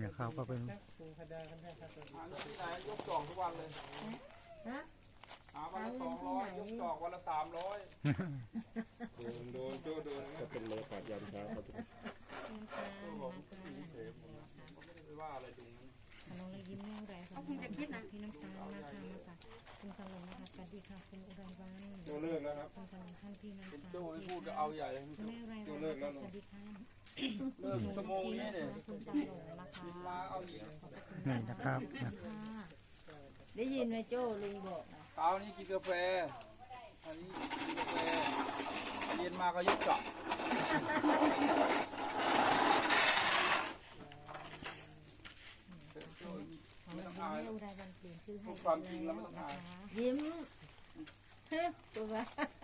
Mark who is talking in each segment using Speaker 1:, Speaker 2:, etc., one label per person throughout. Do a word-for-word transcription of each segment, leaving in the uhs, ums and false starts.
Speaker 1: นะครับก็เป็น
Speaker 2: หาที่ไหนยกจอกทุกวันเลย
Speaker 3: ฮะ
Speaker 2: หาวันละสองร้อยยกจอกวันละสามร้อย
Speaker 4: โดนโดนโจ้โดนก็เป็นบรรยากาศยามเช้าครับ
Speaker 2: ผมมีเสพผมก็ไม่ได้ไปว่าอะไรตรงนั้น
Speaker 5: น้องเลยยิ้มแย้มแรงเขาคงจะคิดนะพี่น้ำตาลนะคะมาจากคุณตลงนะคะสวัสดีค่ะคุณอุไรวัน
Speaker 4: โจ้เลิกแล้วครับ
Speaker 5: คุณตลงท่านพี่น้ำ
Speaker 2: เป็น
Speaker 5: ตาล
Speaker 2: โจ้ไม่พูดก็เอาใหญ่เลย
Speaker 5: คุณแม่ไรวันสวัสดีค่ะ
Speaker 2: เลิกชั่วโมงนี้เนี่ย
Speaker 5: คุณตลงนะคะ
Speaker 2: มาเอาอีก
Speaker 1: นี่นะครับนะ
Speaker 5: ค่ะ
Speaker 3: ได้ยินไหมโจ้ลุงบอกนะ
Speaker 2: เช้านี้กินกาแฟอันนี้กินกาแฟเย็นมาก็ยกจอก
Speaker 5: ของเราแม่อุไรวันเปลี่ยนชื่อให้
Speaker 2: ความจริงแล้วไม่ต้องอาย
Speaker 3: ยิ้มเฮ้ยตัวว่า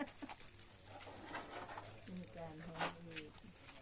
Speaker 3: มีการหอมอีก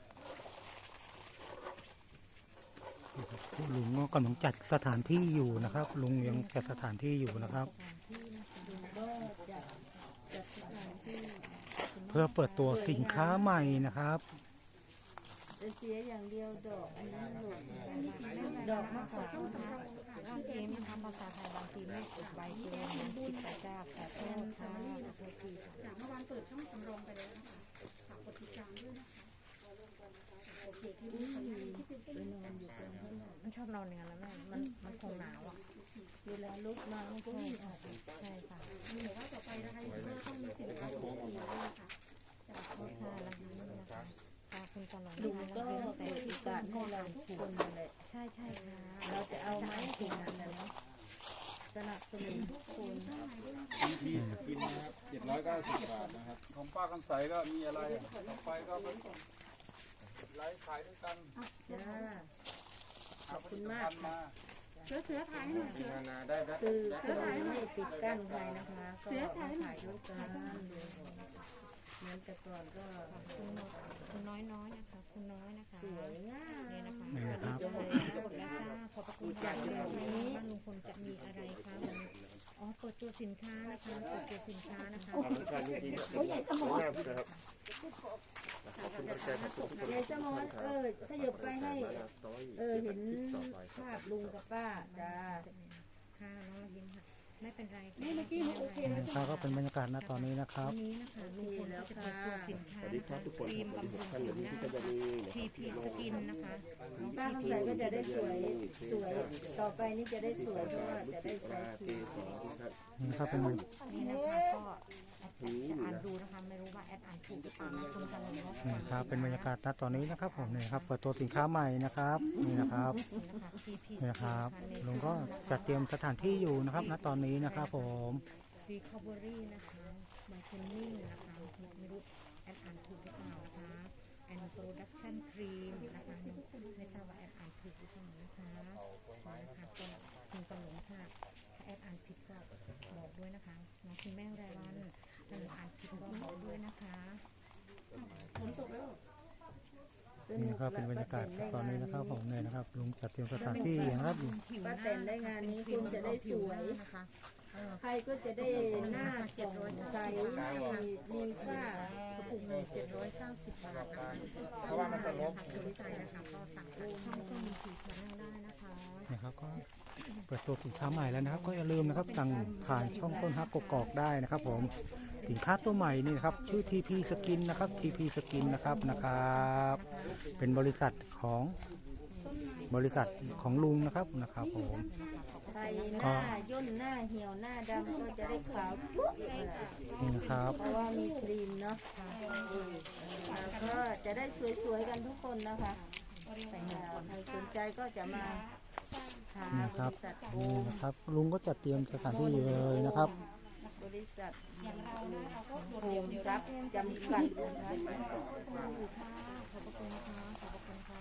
Speaker 1: ลุงก็กำลังจัดสถานที่อยู่นะครับ ลุงยังจัดสถานที่อยู่นะครับ
Speaker 3: ลุงก็จะจัดสถานที่
Speaker 1: เพื่อเปิดตัวสินค้าใหม่นะครับ
Speaker 3: จะเสียอย่างเดียวดอกอันนี้หล่นดอกมะขาม
Speaker 5: น้องเอ็มทำภาษาไทยบางทีไม่ติดใบเกินคิดไปจ้าขอโทษค่ะขอโทษที
Speaker 6: จากเมื่อวานเปิดช่องสำรองไปแล้วนะคะฝากกดติดตามด้วยนะคะโอเคคลิปนี้ขออนุญาตที่เป็น
Speaker 3: ไปนอนอยู่ตรงข้างหลัง
Speaker 5: มันชอบนอนอย่างนั้นแล้วแม่มันมันคงหนาวอ่ะ
Speaker 3: เวลาลุกมามันก็วิ่งออก
Speaker 5: ใช่ค่ะ
Speaker 6: มีหรือว่าต่อไปนะคะยูทูบเบอร์ต้องมีสินค้าของฟรีด้วยนะคะจาก
Speaker 5: ขอบคุณค่ะแล้วนี่นะคะขอบคุณตลอด
Speaker 3: ลุง
Speaker 5: นะคะ
Speaker 3: ก็
Speaker 5: แล้ว
Speaker 3: เปิ
Speaker 5: แต่
Speaker 3: ด
Speaker 5: ที่
Speaker 3: โอกาสให้เราทุกคนนั่นแหละ
Speaker 5: ใช่ใช่ค่ะ
Speaker 3: เราจะเอาไม้ถึงนั้นนะเนาะสนับสนุนทุกคน
Speaker 4: ที่กินนะครับเจ็ดร้อยเก้าสิบบาทนะครับ
Speaker 2: ของป้าคำใสก็มีอะไรต่อไปก็ไปไลฟ์ขายด้วยกัน
Speaker 3: จ้า
Speaker 2: ขอบคุณมากมา
Speaker 6: เสือเสือถ่ายให้หน่อยเสือ
Speaker 4: นานาได้ครับ
Speaker 3: คือคือไม่ปิดกั้นใครนะคะ ก็มาถ่ายด้วยกันเหมือนแต่ก่อนก็
Speaker 5: คุณนกคุณน้อยน้อยนะคะ คุณน้อยนะคะ
Speaker 3: สวยงาม
Speaker 5: เนี่ยนะคะ
Speaker 1: นี่นะครับ
Speaker 5: สวัสดีค่ะหมดแล้วจ้าขอบพระคุณค่ะแบบนี้บ้านลุงพลจะมีอะไรคะวันนี้อ๋อเปิดตัวสินค้านะคะเปิดตัวสินค้านะคะ
Speaker 4: การจริงๆสวยงามนะครับขอบคุณใจขอบคุณทุกคน
Speaker 3: ยายสมอนเออขยับไปให้ เออเห็นภาพลุงกับป้าจ้า
Speaker 5: ค่ะน้องยิ้มค่ะไม่เป็นไรค่ะ
Speaker 6: นี่เมื่อกี้โอเคแล้ว
Speaker 1: นะครับก็เป็นบรรยากาศณตอนนี้นะครับ
Speaker 5: วันนี้นะคะลุงพลก็จะเปิดตัวสินค้า
Speaker 4: สวัสดี
Speaker 5: นะ
Speaker 4: ครั
Speaker 5: คะ
Speaker 4: บทุกคน
Speaker 5: ครีม
Speaker 4: ครับ
Speaker 5: บำรุง
Speaker 4: ท่าน
Speaker 5: ผิ
Speaker 4: เดี๋ยว
Speaker 5: ว
Speaker 4: นี้
Speaker 5: หน้า
Speaker 4: ที่จะมีนะค
Speaker 5: ที
Speaker 4: รับ
Speaker 5: พีสกินนะคะ
Speaker 3: ป้าคำใสก็จะได้สวยสวย ต่อไปนี่จะได้สวยเพราะว่าจะได้ใช้ครีม
Speaker 1: นี่นะครับเป็นบรร
Speaker 5: นี่นะคะก็แอดจะอ่านดูนะคะไม่รู้ว่าแอดอ่านถูกหรือเปล่านะคุณกำลังเนาะ
Speaker 1: นี่ครับเป็นบรรยากาศณตอนนี้นะครับผมนี่ครับเปิดตัวสินค้าใหม่นะครับนี่นะครับ
Speaker 5: นี่นะคะ ที พี
Speaker 1: นี่นะครับลุงก็จัดเตรียมสถานที่อยู่นะครับณตอนนี้นะครับผม
Speaker 5: รีคอเวอรี่นะคะไมเคิลนิ่งนะคะไม่รู้แอดอ่านถูกหรือเปล่านะคะแอนโปรดักชั่นครีมนะคะไม่ทราบว่าแอดอ่านถูกหรือเปล่านะคะนะคะก็คุณกำลังค่ะถ้าแอดอ่านผิดก็บอกด้วยนะคะน้องคุณแม่รายวันถ้าอ่านผิดก็บอกด้วยนะคะ
Speaker 6: ฝนตกแล้ว
Speaker 3: ส
Speaker 1: นี่
Speaker 3: นุ
Speaker 1: นะ
Speaker 3: ก
Speaker 1: ครับเป็นบรรยากาศตอนนี้นะครับผมเนี่ยนะครับลุงจัดเตรียมสถานที่อย่างนะครับ
Speaker 3: ป้าแต่นได้งานนี้คุณจะได้สวย
Speaker 5: นะคะ
Speaker 3: ใครก็จะได้หน้าผ่องใสไม่มีค่าก
Speaker 5: ระปุกหนึ่งเจ็ดร้อยเก้าสิบบาทนะคะ
Speaker 4: เพราะว่ามันสลบ
Speaker 5: สนใจนะคะก็สั่งทางช่องก็มีผีชาแนลได้นะคะ
Speaker 1: นะครับก็เปิดตัวสินค้าใหม่แล้วนะครับ ก็อย่าลืมนะครับสั่งผ่านช่องต้นฮักกกอกได้นะครับ ผมสินค้าตัวใหม่นี่นะครับชื่อ ที พี Skin นะครับ ที พี Skin นะครับนะครับเป็นบริษัทของบริษัทของลุงนะครับนะครับผม
Speaker 3: ใครหน้าย่นหน้าเหี่ยวหน้าดำก็จะได้ขาวปุ๊บ
Speaker 1: นี่นะครับ
Speaker 3: เพราะว่ามีครีมเนาะแล้วก็จะได้สวยๆกันทุกคนนะคะใครสนใจก็จะมาหา
Speaker 1: นี่
Speaker 3: บ
Speaker 1: ครับ
Speaker 3: ริษัทโอ
Speaker 1: นี่
Speaker 3: ม
Speaker 1: นะครับลุงก็จัดเตรียมสถานที่อยู่เลยนะครับ
Speaker 3: บริษัทโฮมซับจำกัดนะคะ
Speaker 5: ขอบพระคุณค่ะขอบพระคุณค่ะ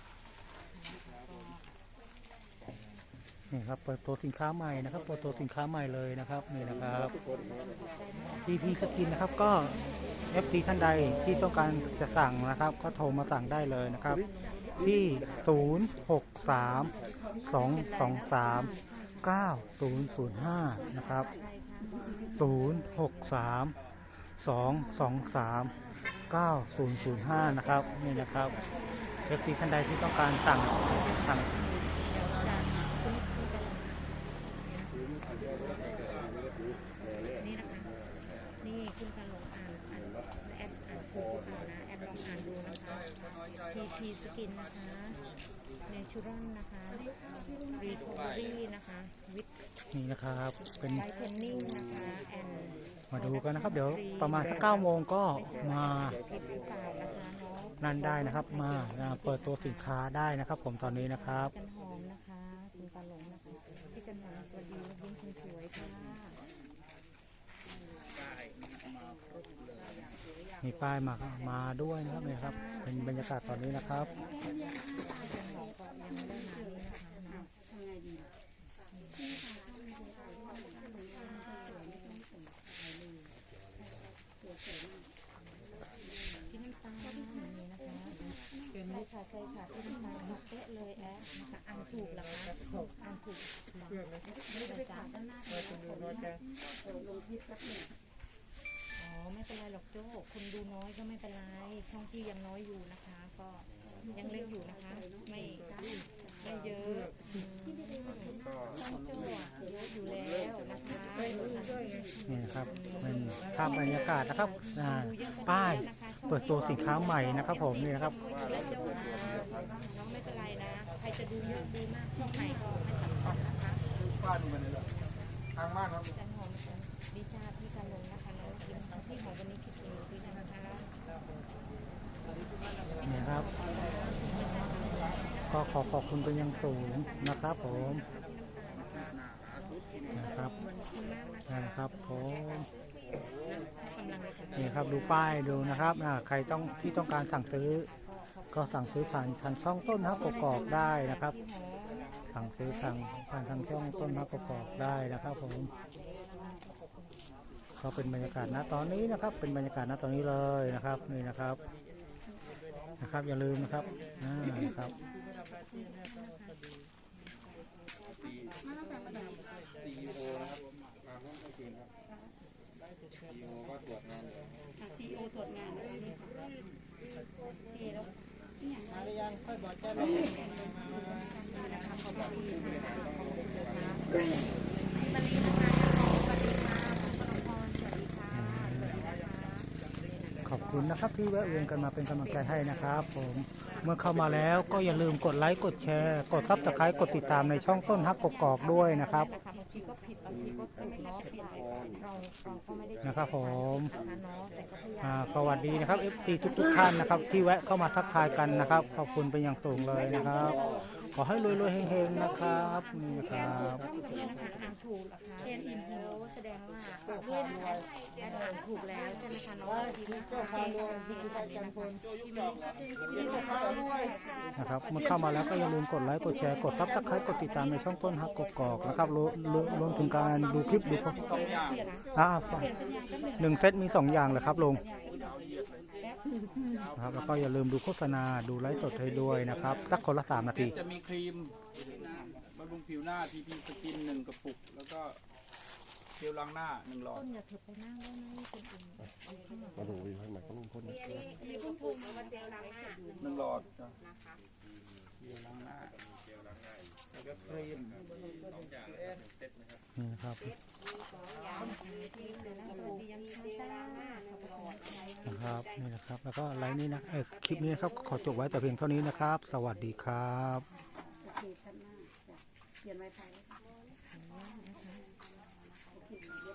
Speaker 1: นี่ครับเปิดตัวสินค้าใหม่นะครับเปิดตัวสินค้าใหม่เลยนะครับนี่นะครับ ที พี Skin นะครับก็ เอฟ ซี ท่านใดที่ต้องการจะสั่งนะครับ ก็โทรมาสั่งได้เลยนะครับ ที่ ศูนย์ หก สาม สอง สอง สาม เก้า ศูนย์ ศูนย์ ห้า นะครับ ศูนย์ หก สาม สอง สอง สาม เก้า ศูนย์ ศูนย์ ห้า นะครับนี่นะครับ เอฟ ซี ท่านใดที่ต้องการสั่งสั่ง
Speaker 5: ทีพีสกินนะคะเนชูรัลนะคะรีคอเวอรี่นะคะวิต
Speaker 1: นี่นะครับเป็น
Speaker 5: ไลท์เทนนิ่งนะคะแอน
Speaker 1: มาดูกันนะครับ เดี๋ยวประมาณสักเก้าโมงก็มา
Speaker 5: ผิดหรือเปล่านะคะเนาะ
Speaker 1: นั่นได้นะครับ มาอ่าเปิดตัวสินค้าได้นะครับ ผมตอนนี้นะครับ
Speaker 5: จันหอมนะคะคุณปาหลงนะคะพี่จันหอมสวัสดีและยิ้มคนสวยค่ะ
Speaker 1: มีป้ายมามาด้วยนะครับนี่ครับ เป็นบรรยากาศตอนนี้นะครับ
Speaker 5: จันหอมก็ยังไม่ได้มาเลยนะคะเนาะ
Speaker 6: ทำไงดี
Speaker 5: พี่น้ำตาลนี่นะคะใช่ค่ะใช่ค่ะพี่น้ำตาลเป๊ะเลยแอะนะคะอ่านถูกเหรอคะอ่านถูกไม่ได้จ้าด้านหน้าเลยลงคลิปแป๊บนึงอ๋อไม่เป็นไรหรอกโจ้คนดูน้อยก็ไม่เป็นไรช่องที่ยังน้อยอยู่นะคะ ก็ยังเล็กอยู่นะคะ ไม่ไม่เยอะช่องโจ้อะเยอะอยู่แล้วนะคะ
Speaker 1: นี่นะครับเป็นภาพบรรยากาศนะครับอ่าป้ายเปิดตัวสินค้าใหม่นะครับ ผมนี่นะครับ
Speaker 5: น้องไม่เป็นไรนะ ใครจะดูเยอะดูมากช่องไหนก็ไม่สำคัญนะคะ
Speaker 2: บ้านมันเลยเหรอทางบ้านครับ
Speaker 5: จันหอมดีจ้าพี่กันลงนะคะน้องยิ้มพี่หอมวันนี้คิดถึงพี่นะคะ
Speaker 1: นี่ครับ ก็ขอขอบคุณเป็นอย่างสูงนะครับผมนะครับนะครับผมนี่ครับดูป้ายดูนะครับอ่าใครต้องที่ต้องการสั่งซื้อ ก็สั่งซื้อผ่านทางช่องต้นฮักกอกได้นะครับ สั่งซื้อสั่งผ่านทางช่องต้นฮักกอกได้นะครับผมก็เป็นบรรยากาศณตอนนี้นะครับ เป็นบรรยากาศณตอนนี้เลยนะครับนี่นะครับนะครับอย่าลืมนะครับอ่านะครับ
Speaker 4: ซีอีโอนะครับมาห้องกลางคืนครับซีอีโอก็ตรวจงานอยู่
Speaker 6: ซีโอตรวจงานนะคะนี่ค่ะเอแล้ว
Speaker 3: มาหรือยังค่อยบอกเจ้า
Speaker 1: ขอบคุณนะครับที่แวะเวียนกันมาเป็นกำลังใจให้นะครับ ผมเมื่อเข้ามาแล้วก็อย่าลืมกดไลค์กดแชร์กดซับสไครต์กดติดตามในช่องต้นฮักกกอกด้วยนะครับ
Speaker 5: บางทีก็ผิดบางทีก็ถูกเนาะผิดเราเราก็ไม่ได้
Speaker 1: นะครับผม
Speaker 5: นะคะเนาะแต่ก็พยายาม
Speaker 1: อ่าสวัสดีนะครับ เอฟ ซี ทุกทุกๆท่านนะครับ ที่แวะเข้ามาทักทายกันนะครับขอบคุณเป็นอย่างสูงเลยนะครับ ขอให้รวยๆเฮงๆนะครับนี่นะครับ
Speaker 5: นี่นะคะอ่านถูกเหรอคะเอ็นอินโฮแสดงว่าอ่านอ่านถูกแล้วใช่ไหมคะน้องดีนะคะ
Speaker 3: เจ้าพารวยพิธีไทยจันทร์พล
Speaker 1: นะครับเมื่อเข้ามาแล้วก็อย่าลืมกดไลค์กดแชร์กดซับสไครต์กดติดตามในช่องต้นฮักกกอกนะครับรวมรวมรวมถึงการดูคลิปดูพวก
Speaker 2: สองอย่าง
Speaker 1: อ่าหนึ่งเซตมีสองอย่างเลยครับลุงนะครับแล้วก็อย่าลืมดูโฆษณาดูไลฟ์สดให้ด้วยนะครับสักคนละสามนาที
Speaker 2: จะมีครีมบำรุงผิวหน้าทีพีสกินหนึ่งกระปุก แล้วก็เจลล้างหน้าหนึ่งหลอด
Speaker 5: ต้นอย่าเถิดไปนั่งได้ไหมคนอื่น
Speaker 4: มาดูวิวข้างในก็ลุงพลนะ
Speaker 2: หนึ่งหลอดจ้ะเจลล้างหน้าแล้วก็ครีม
Speaker 1: นี่นะครับ
Speaker 5: สวัสดียังจ้า
Speaker 1: นะครับนี่นะครับ แล้วก็ไลฟ์นี้นะเออคลิปนี้นะครับขอจบไว้แต่เพียงเท่านี้นะครับ สวัสดีครับ
Speaker 6: โอเคชั้นหน้าจ้ะเขียนไว้ไทย
Speaker 5: นะคะ